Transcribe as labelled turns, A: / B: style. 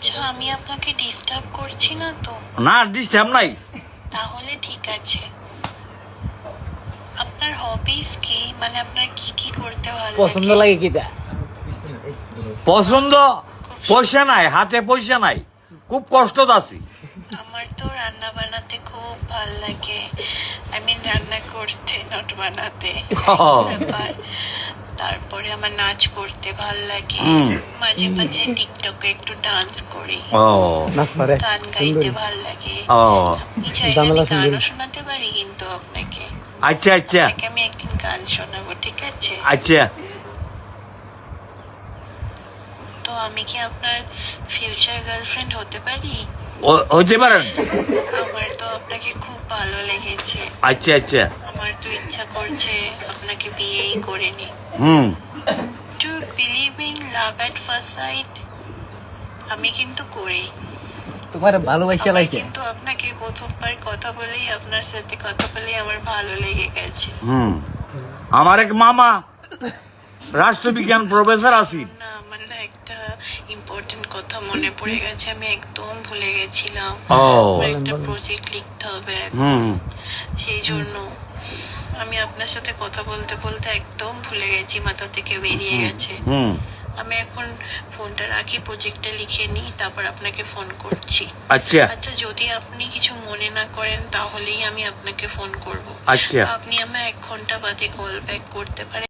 A: আচ্ছা, আমি আপনাকে ডিস্টার্ব করছি না তো?
B: না, ডিস্টার্ব নাই।
A: তাহলে ঠিক আছে। আপনার হবিস কি, মানে আপনার কি কি করতে ভালো
C: পছন্দ লাগে কিটা?
B: পছন্দ পয়সা নাই, হাতে পয়সা নাই, খুব কষ্ট আছি।
A: আমার তো রান্না বানাতে খুব ভাল লাগে। আই মিন রান্না করতে, নট বানাতে। ব্যাপার। তারপরে আমার নাচ করতে ভাল লাগে। মাঝে মাঝে টিকটকে একটু ডান্স করি।
B: ও
C: নাচ পারে
A: গান গাইতে ভাল লাগে।
B: ও
A: আপনি চাইলে
C: জামেলা
A: আমি গানও
C: সুন্দরী।
A: শোনাতে পারি কিন্তু আপনাকে।
B: আচ্ছা আচ্ছা
A: আপনাকে আমি একদিন গান শোনাবো, ঠিক আছে?
B: আচ্ছা।
A: তো আমি কি আপনার ফিউচার গার্লফ্রেন্ড হতে পারি?
B: হইতে পারেন।
A: আমার তো আপনাকে খুব ভালো লেগেছে।
B: আচ্ছা আচ্ছা।
A: আমার তো ইচ্ছা করছে আপনাকে বিয়েই করে নি। To believe in love at first sight? আমি কিন্তু করি।
C: তোমার ভালোবাসা
A: আমার
C: লাগছে?
A: কিন্তু আপনাকে প্রথমবার কথা বলেই, আপনার সাথে কথা বলেই আমার ভালো লেগে গেছে।
B: আমার এক মামা রাষ্ট্রবিজ্ঞান প্রফেসর আছেন।
A: না, আমার না একটা ইম্পর্টেন্ট কথা মনে পড়ে গেছে, আমি একদম ভুলে গেছিলাম।
B: ও।
A: আমার একটা প্রজেক্ট লিখতে হবে এখন। সেই জন্য আমি আপনার সাথে কথা বলতে বলতে একদম ভুলে গেছি, মাথা থেকে বেরিয়ে গেছে। আমি এখন ফোনটা রাখি, প্রজেক্টটা লিখে নিই, তারপর আপনাকে ফোন করছি।
B: আচ্ছা
A: আচ্ছা, যদি আপনি কিছু মনে না করেন তাহলেই আমি আপনাকে ফোন করব।
B: আচ্ছা।
A: আপনি আমায় 1 ঘন্টা বাদে কল ব্যাক করতে পারেন?